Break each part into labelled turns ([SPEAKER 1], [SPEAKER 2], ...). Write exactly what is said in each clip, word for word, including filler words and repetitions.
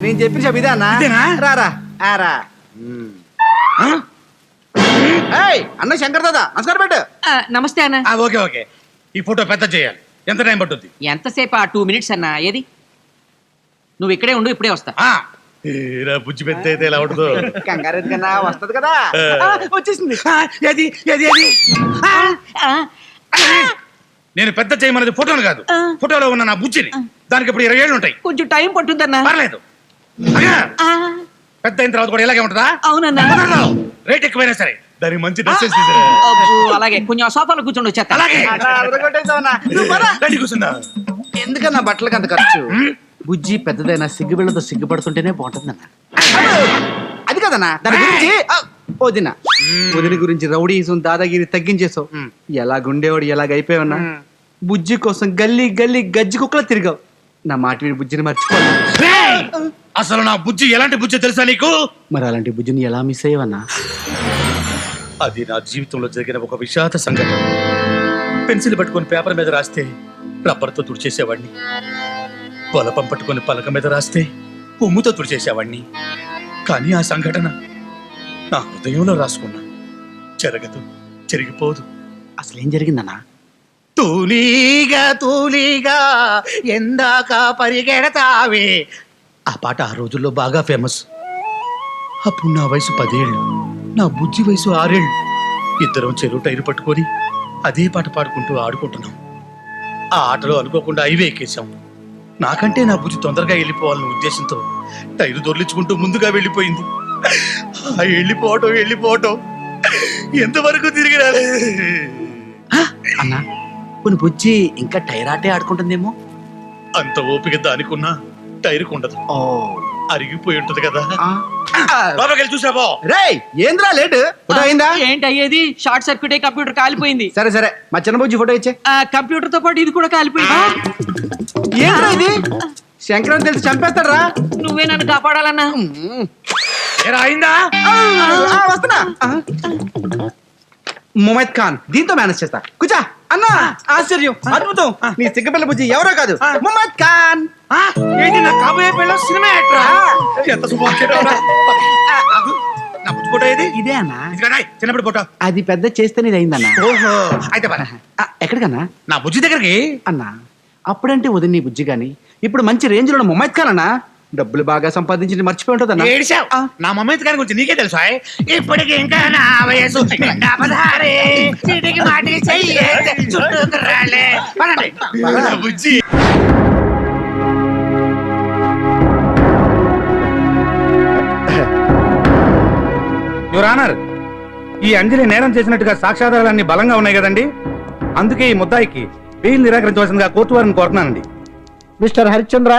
[SPEAKER 1] నేను చెప్పిన చెప్ప ఇదే అన్నా రారా ఆరా అన్న శంకర్ దాదా నమస్కారం పెట్టు.
[SPEAKER 2] నమస్తే అన్న.
[SPEAKER 3] ఓకే ఓకే ఈ ఫోటో పెద్ద చేయాలి. ఎంత టైం పట్టుద్ది?
[SPEAKER 2] ఎంతసేపు? ఆ టూ మినిట్స్ అన్న. ఏది నువ్వు ఇక్కడే ఉండు, ఇప్పుడే వస్తా.
[SPEAKER 3] బుజ్జి పెద్ద అయితే ఎలా ఉంటుందో.
[SPEAKER 1] కంగారు కన్నా వస్తది కదా. వచ్చేసింది.
[SPEAKER 3] ఏది ఏది ఏది నేను పెద్ద చేయమన్నది ఫోటోను కాదు, ఫోటోలో ఉన్న నా బుజ్జిని. దానికి ఇప్పుడు ఇరవై ఏళ్ళు ఉంటాయి.
[SPEAKER 2] కొంచెం టైం పట్టుద్దన్నా.
[SPEAKER 3] పర్లేదు, పెద్ద అయిన తర్వాత కూడా ఇలాగే ఉంటుందా?
[SPEAKER 2] అవునన్నా.
[SPEAKER 3] రేట్ ఎక్కువైనా సరే దానికి మంచి డ్రెస్.
[SPEAKER 2] అలాగే కొంచెం సోఫాలో కూర్చోండి వచ్చేస్తా.
[SPEAKER 3] అలాగే
[SPEAKER 1] కూర్చున్నా. ఎందుకన్నా బట్టలకి అంత ఖర్చు? బుజ్జి పెద్దదైనా సిగ్గుబిళ్ళతో సిగ్గుపడుతుంటేనే బాగుంటుందన్న. అది కదన్నా దాని గురించి. వదిన వదిన గురించి రౌడీసం దాదాగిరి తగ్గించేసావు. ఎలాగుండేవాడు ఎలాగైపోయావన్నా. బుజ్జి కోసం గల్లీ గల్లీ గజ్జి కుక్కలా తిరిగావు. నా మాట విని బుజ్జిని మర్చిపోను.
[SPEAKER 3] అసలు నా బుజ్జి ఎలాంటి బుజ్జి తెలుసా నీకు?
[SPEAKER 1] మరి అలాంటి బుజ్జిని ఎలా మిస్ అయ్యవన్నా?
[SPEAKER 3] అది నా జీవితంలో జరిగిన ఒక విషాద సంఘటన. పెన్సిల్ పట్టుకొని పేపర్ మీద రాస్తే రబ్బర్తో తుడిచేసేవాడిని. పొలపం పట్టుకొని పలక మీద రాస్తే ఉమ్ముతో తుడిచేసేవాడిని. కానీ ఆ సంఘటన నా హృదయంలో రాసుకున్నా. జరగదు, జరిగిపోదు.
[SPEAKER 1] అసలేం జరిగిందన్నా?
[SPEAKER 3] తూలీగా తూలీగా ఎందాక పరిగెడతావే. ఆ పాట ఆ రోజుల్లో బాగా ఫేమస్. అప్పుడు నా వయసు పదేళ్ళు, నా బుజ్జి వయసు ఆరేళ్ళు. ఇద్దరం చెరువు టైరు పట్టుకొని అదే పాట పాడుకుంటూ ఆడుకుంటున్నాం. ఆ ఆటలో అనుకోకుండా హైవే ఎక్కేశాం. నాకంటే నా బుజ్జి తొందరగా వెళ్ళిపోవాలన్న ఉద్దేశంతో టైరు దొర్లించుకుంటూ ముందుగా వెళ్ళిపోయింది. ఆ వెళ్ళిపోవటం వెళ్ళిపోవటం ఎంతవరకు తిరిగి రాలే.
[SPEAKER 1] అన్నా కొన్ని బుజ్జి ఇంకా టైర్ ఆటే ఆడుకుంటుందేమో.
[SPEAKER 3] అంత ఓపిక దానికున్నా టైరుకు ఉండదు. అరిగిపోయి ఉంటది కదా. లోపలికి చూసావో.
[SPEAKER 1] రేయ్ ఏంద్రా లేట్? ఫోటో అయిందా?
[SPEAKER 2] ఏంటి అయ్యేది? షార్ట్ సర్క్యూట్ అయ్యి కంప్యూటర్ కాలిపోయింది.
[SPEAKER 1] సరే సరే మా చిన్న బుజ్జి ఫోటో ఇచ్చే.
[SPEAKER 2] కంప్యూటర్ తో పాటు ఇది కూడా కాలిపోయింది.
[SPEAKER 1] ఏంద్రా ఇది? శంకరం తెలిసి చంపేస్తాడరా.
[SPEAKER 2] నువ్వే నన్ను కాపాడాలన్నా.
[SPEAKER 3] అయిందా?
[SPEAKER 1] వస్తున్నా. ముమైద్ ఖాన్ దీంతో మేనేజ్ చేస్తా. కూర్చో అన్నా. ఆశ్చర్యం, అద్భుతం. నీ సిగ్గపిల్ల బుజ్జి ఎవరో కాదు, ముమైద్ ఖాన్.
[SPEAKER 3] ఏంటి నా కాబోయే పిల్ల సినిమా యాక్టరా? ఎంత శుభాకాంక్షలు. నా బుజ్జి ఫోటో ఏది?
[SPEAKER 1] ఇదే అన్నా.
[SPEAKER 3] చిన్నప్పుడు ఫోటో.
[SPEAKER 1] అది పెద్ద చేస్తేనే ఇది అయిందన్నా.
[SPEAKER 3] ఓహో అయితే పద.
[SPEAKER 1] ఎక్కడికన్నా?
[SPEAKER 3] నా బుజ్జి దగ్గరికి.
[SPEAKER 1] అన్నా అప్పుడంటే వదిన నీ బుజ్జి గాని ఇప్పుడు మంచి రేంజ్ లో ముమైద్ ఖాన్ అన్నా. డబ్బులు బాగా సంపాదించి మర్చిపోయి ఉంటుందన్నా.
[SPEAKER 3] నా మమ్మీ గారి గురించి నీకే తెలుసా? ఇప్పటికి ఇంకా నా వయసు బుజ్జి. యువర్ ఆనర్, ఈ అంజలి నేరం చేసినట్టుగా సాక్ష్యాధారాలన్నీ బలంగా ఉన్నాయి కదండి. అందుకే ఈ ముద్దాయికి బెయిల్ నిరాకరించవలసిందిగా కోర్టు వారిని కోరుతున్నానండి.
[SPEAKER 4] మిస్టర్ హరిశ్చంద్ర,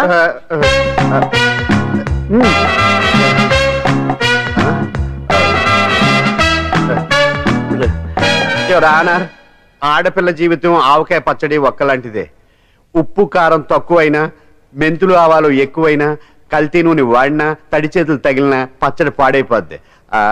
[SPEAKER 5] ఆనర్, ఆడపిల్ల జీవితం ఆవకాయ పచ్చడి ఒక్కలాంటిదే. ఉప్పు కారం తక్కువైనా, మెంతులు ఆవాలు ఎక్కువైనా, కల్తీ నూనె వాడినా, తడి చేతులు తగిలినా పచ్చడి పాడైపోద్ది.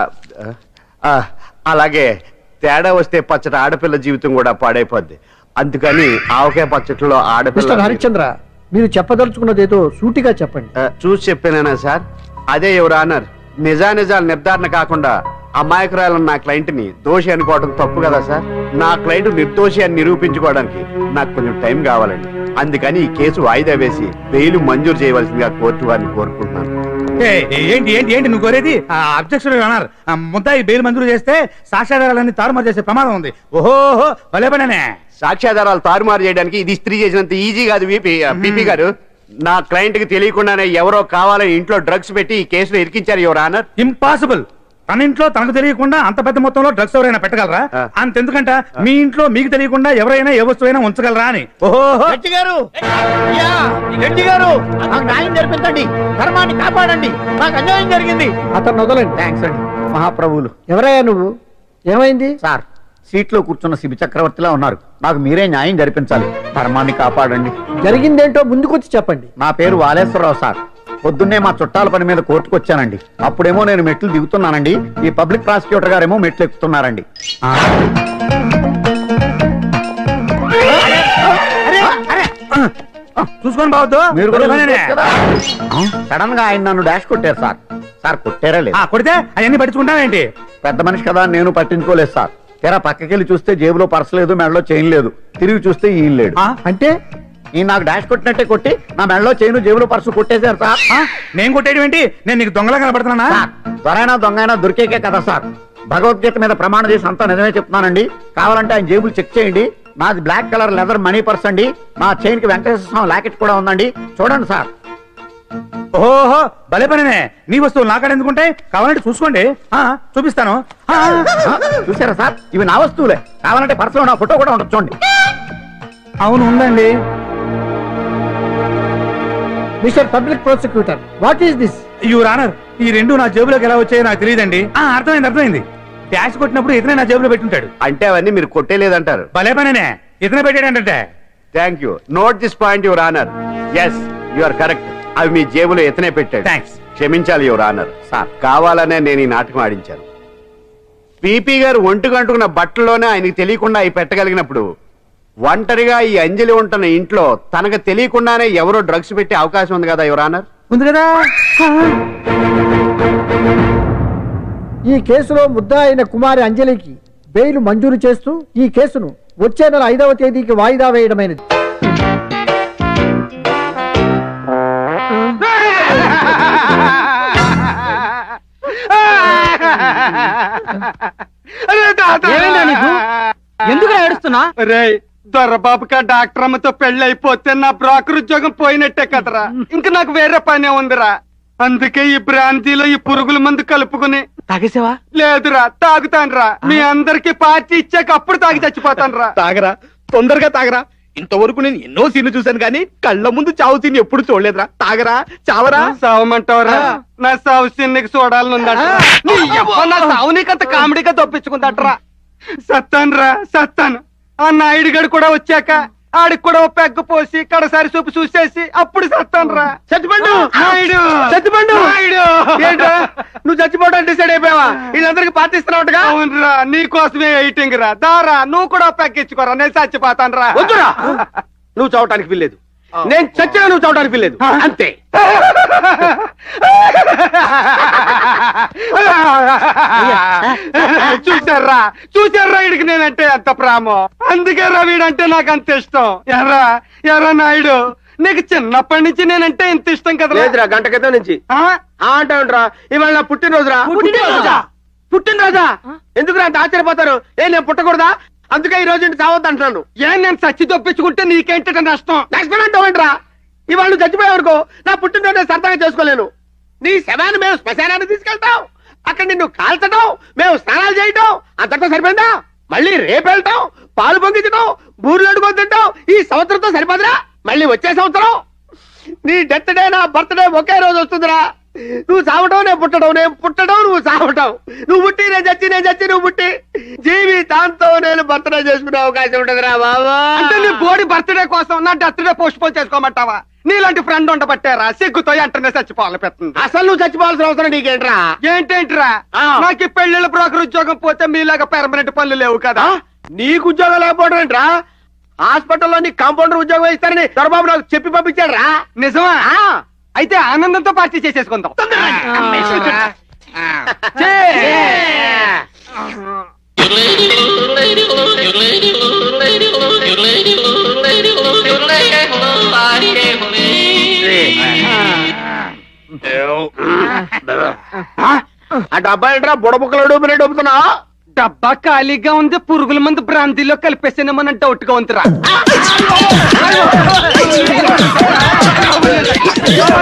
[SPEAKER 5] అలాగే తేడా వస్తే పచ్చడి ఆడపిల్ల జీవితం కూడా పాడైపోద్ది. అందుకని ఆవకాయ పచ్చడిలో ఆడపిల్ల.
[SPEAKER 4] హరిశ్చంద్ర, మీరు చెప్పదలుచుకున్నదేదో సూటిగా చెప్పండి.
[SPEAKER 5] చూసి చెప్పానా సార్? అదే యువర్ ఆనర్, నిజానిజాలు నిర్ధారణ కాకుండా అమాయకురాలను నా క్లయింట్ ని దోషి అనుకోవడం తప్పు కదా సార్. నా క్లయింట్ నిర్దోషి అని నిరూపించుకోవడానికి నాకు కొంచెం టైం కావాలండి. అందుకని ఈ కేసు వాయిదా వేసి బెయిల్ మంజూరు చేయవలసిందిగా కోర్టు వారిని కోరుకుంటున్నాను.
[SPEAKER 3] ఏంటి ఏంటి ఏంటి నువ్వు కోరేది? అబ్జెక్షన్ అన్నారు. ముద్దాయి బెయిల్ మంజూరు చేస్తే సాక్ష్యాధారాలన్నీ తారుమారు చేసే ప్రమాదం ఉంది. ఓహో భలే పనే.
[SPEAKER 5] సాక్ష్యాధారాలు తారుమారు చేయడానికి ఇది స్త్రీ చేసినంత ఈజీ కాదు పీపీ గారు. నా క్లయింట్ కి తెలియకుండానే ఎవరో కావాలని ఇంట్లో డ్రగ్స్ పెట్టి ఈ కేసులో ఇరికించారు యువర్ ఆనర్.
[SPEAKER 3] ఇంపాసిబుల్. తన ఇంట్లో తనకు తెలియకుండా అంత పెద్ద మొత్తంలో డ్రగ్స్ ఎవరైనా పెట్టగలరా? అంతెందుకంట మీ ఇంట్లో మీకు తెలియకుండా ఎవరైనా ఏ వస్తువైనా ఉంచగలరా అని. ఓహో
[SPEAKER 4] గారు, గారు నాకు న్యాయం జరిపించండి, ధర్మాన్ని కాపాడండి, నాకు అన్యాయం జరిగింది. అతను వదలండి. థ్యాంక్స్ అండి మహాప్రభువులు. ఎవరయ్యా నువ్వు? ఏమైంది సార్? సీట్లో కూర్చున్న శిబి చక్రవర్తిలా ఉన్నారు. నాకు మీరే న్యాయం జరిపించాలి, ధర్మాన్ని కాపాడండి. జరిగిందేంటో ముందుకొచ్చి చెప్పండి. నా పేరు వాలేశ్వరరావు సార్. పొద్దున్నే మా చుట్టాల పని మీద కోర్టుకు వచ్చానండి. అప్పుడేమో నేను మెట్లు దిగుతున్నానండి, ఈ పబ్లిక్ ప్రాసిక్యూటర్ గారేమో మెట్లు ఎక్కుతున్నారండి.
[SPEAKER 3] చూసుకొని బావద్దు
[SPEAKER 4] మీరు కూడా సడన్ గా ఆయన నన్ను డాష్ కొట్టారు సార్ సార్ కొట్టారా లేదు
[SPEAKER 3] కొడితే అవన్నీ పట్టించుకుంటావేంటి?
[SPEAKER 4] పెద్ద మనిషి కదా నేను పట్టించుకోలేదు సార్ తెరా పక్కకెళ్ళి చూస్తే జేబులో పర్స్ లేదు మెడలో చైన్ లేదు తిరిగి చూస్తే ఈయన లేడు
[SPEAKER 3] అంటే
[SPEAKER 4] ఈయన నాకు డాష్ కొట్టినట్టే కొట్టి నా మెడలో చైన్ జేబులో పర్సు కొట్టేశారు సార్
[SPEAKER 3] నేను కొట్టేయడం ఏంటి? నేను నీకు దొంగలా కనబడుతున్నా?
[SPEAKER 4] సార్, దొరైనా దొంగైనా దొరికేకే కదా సార్ భగవద్గీత మీద ప్రమాణం చేసి అంతా నిజమే చెప్తున్నానండి కావాలంటే ఆయన జేబులు చెక్ చేయండి నాది black colour leather money purse అండి నా చైన్ కి వెంకటేశ్వర స్వామి లాకెట్ కూడా ఉందండి చూడండి సార్
[SPEAKER 3] ఓహో భలే పనినే. నీ వస్తువులు నాకాడ ఎందుకుంటాయి? కావాలంటే చూసుకోండి, ఆ, చూపిస్తాను. ఆ,
[SPEAKER 4] ఆ, చూసారా సార్ ఇవి నా వస్తువులే కావాలంటే పర్సులో నా ఫోటో కూడా ఉంటుంది చూడండి
[SPEAKER 3] అవును ఉందండి.
[SPEAKER 6] Mister public prosecutor what is this?
[SPEAKER 3] Your honour, ఈ రెండు నా జేబులోకి ఎలా వచ్చాయో నాకు తెలియదండి. అర్థమైంది అర్థమైంది డాష్ కొట్టినప్పుడు ఇతనే నా జేబులో పెట్టుంటాడు.
[SPEAKER 5] అంటే అవన్నీ మీరు కొట్టేలేదంటారు.
[SPEAKER 3] భలే పనినే, ఇతనే పెట్టాడంటే.
[SPEAKER 5] Thank you. Note this point your honour. Yes you are correct. అవి మీ జేబులో ఎతనే పెట్టాడు.
[SPEAKER 3] థ్యాంక్స్.
[SPEAKER 5] క్షమించాలి యువర్ ఆనర్. సార్ కావాలనే నేను ఈ నాటకం ఆడించాను. పీపీ గారు ఒంటి గంటుకున్న బట్టల్లోనే ఆయనకి తెలియకుండా అవి పెట్టగలిగినప్పుడు ఒంటరిగా ఈ అంజలి ఉంటున్న ఇంట్లో తనకు తెలియకుండానే ఎవరో డ్రగ్స్ పెట్టే అవకాశం ఉంది కదా యువర్ ఆనర్.
[SPEAKER 3] ఉంది కదా.
[SPEAKER 6] ఈ కేసులో ముద్దా అయిన కుమారి అంజలికి బెయిల్ మంజూరు చేస్తూ ఈ కేసును వచ్చే నెల ఐదవ తేదీకి వాయిదా వేయడమైనది.
[SPEAKER 2] ఏమైందా నీకు? ఎందుకు ఏడుస్తున్నా?
[SPEAKER 7] రే దొరబాబుకా డాక్టర్ అమ్మతో పెళ్లి అయిపోతే నా బ్రోకర్ ఉద్యోగం పోయినట్టే కదరా. ఇంకా నాకు వేరే పనే ఉందిరా. అందుకే ఈ బ్రాంతిలో ఈ పురుగుల మందు కలుపుకుని
[SPEAKER 2] తాగేసావా?
[SPEAKER 7] లేదురా తాగుతానురా. మీ అందరికి పార్టీ ఇచ్చాక అప్పుడు తాగి చచ్చిపోతానురా.
[SPEAKER 3] తాగరా, తొందరగా తాగరా. ఇంతవరకు నేను ఎన్నో సీన్లు చూశాను కానీ కళ్ళ ముందు చావు సీన్ ఎప్పుడు చూడలేదురా. తాగరా, చావరా.
[SPEAKER 7] సావమంటావరా? నా సావు సిన్నికి చూడాలనుందట. నీ యవ్వ నా సావు నీకంత కామెడీగా తప్పించుకుందట్రా. సత్తానురా సత్తాను. ఆ నాయుడు గడు కూడా వచ్చాక ఆడికి కూడా ఓ పెగ్గు పోసి కడసారి చూపు చూసేసి అప్పుడు సత్తానురా.
[SPEAKER 3] చచ్చిపండు
[SPEAKER 7] నాయుడు
[SPEAKER 3] చచ్చిపండు
[SPEAKER 7] నాయుడు
[SPEAKER 3] ఏంట్రా నువ్వు చచ్చిపోవడానికి డిసైడ్ అయిపోయావా? వీళ్ళందరికీ పాటిస్తున్నావుగా.
[SPEAKER 7] అవునరా నీ కోసమే వెయిటింగ్ రా. దారా నువ్వు కూడా పెగ్గించుకోరా. నేను చచ్చిపోతాను రా.
[SPEAKER 3] వద్దురా, నువ్వు చావటానికి వీల్లేదు. నేను చచ్చినా నువ్వు చావటానికి వీల్లేదు. అంతే.
[SPEAKER 7] చూసారా చూసారా వీడికి నేనంటే ఎంత ప్రేమో. అందుకే రా వీడంటే నాకు అంత ఇష్టం. ఎర్రా ఎర్రా నాయుడు, నీకు చిన్నప్పటి నుంచి నేనంటే ఇంత ఇష్టం కదా.
[SPEAKER 3] లేదురా, గంట క్రితం నుంచి అంటావుంట్రా. ఇవాళ నా పుట్టినరోజురా.
[SPEAKER 7] పుట్టినరోజా?
[SPEAKER 3] పుట్టినరోజా? ఎందుకు అంత ఆశ్చర్యపోతారు? ఏ నేను పుట్టకూడదా? అందుకే ఈ రోజు ఇంటి చావద్దు అంటున్నాను.
[SPEAKER 7] ఏం నేను చచ్చి తప్పించుకుంటే నీకేంట నష్టం?
[SPEAKER 3] నెక్స్ట్ అంటావేంట్రా? ఇవాళ నువ్వు చచ్చిపోయావనుకో నా పుట్టినరోజు నేను సరదాగా చేసుకోలేను. నీ శవాన్ని మేము శ్మశానాన్ని తీసుకెళ్తాం, అక్కడ నిన్ను కాల్చడం, మేము స్నానాలు చేయటం అంతటా సరిపోయిందా? మళ్ళీ రేపు వెళ్తాం, పాలు పొంగించడం, బూర్లు అడుగుని తింటాం. ఈ సంవత్సరంతో సరిపోదురా? మళ్ళీ వచ్చే సంవత్సరం నీ డెత్ డే నా బర్త్డే ఒకే రోజు వస్తుందిరా. నువ్వు చావటం నేను పుట్టడం, నేను పుట్టడం నువ్వు చావటం. నువ్వు పుట్టి నేను చచ్చి, నేను చచ్చి నువ్వు పుట్టి జీవితాంతో నేను బర్త్డే చేసుకునే అవకాశం ఉంటదిరా బాబా.
[SPEAKER 7] అంటే నీ బోడి బర్త్డే కోసం నా డెత్ డే పోస్ట్ పోన్ చేసుకోమంటావా? నీలాంటి ఫ్రెండ్ ఉండబట్టారా సిగ్గుతో వెంటనే చచ్చిపోవాలి పెడుతుంది.
[SPEAKER 3] అసలు నువ్వు చచ్చిపోవాల్సిన అవసరం నీకేంట్రా?
[SPEAKER 7] ఏంటేంటిరా?
[SPEAKER 3] ఆ.
[SPEAKER 7] నాకు ఈ పెళ్లిళ్ళ బ్రోకర్ ఉద్యోగం పోతే మీలాగా పెర్మనెంట్ పనులు లేవు కదా.
[SPEAKER 3] నీకు ఉద్యోగం లేకపోవడం ఏంట్రా? హాస్పిటల్లో నీ కాంపౌండర్ ఉద్యోగం ఇస్తారని దొరబాబు నాకు చెప్పి పంపించాడు రా.
[SPEAKER 7] నిజమా? అయితే ఆనందంతో పార్టీ చేసేసుకుందాం.
[SPEAKER 3] ఆ డబ్బా ఏంట్రా బుడబుక్కలు డూపినే డూపుతున్నా?
[SPEAKER 7] డబ్బా ఖాళీగా ఉంది, పురుగుల మందు బ్రాంతిలో కలిపేసానేమన్న డౌట్ గా ఉందిరా.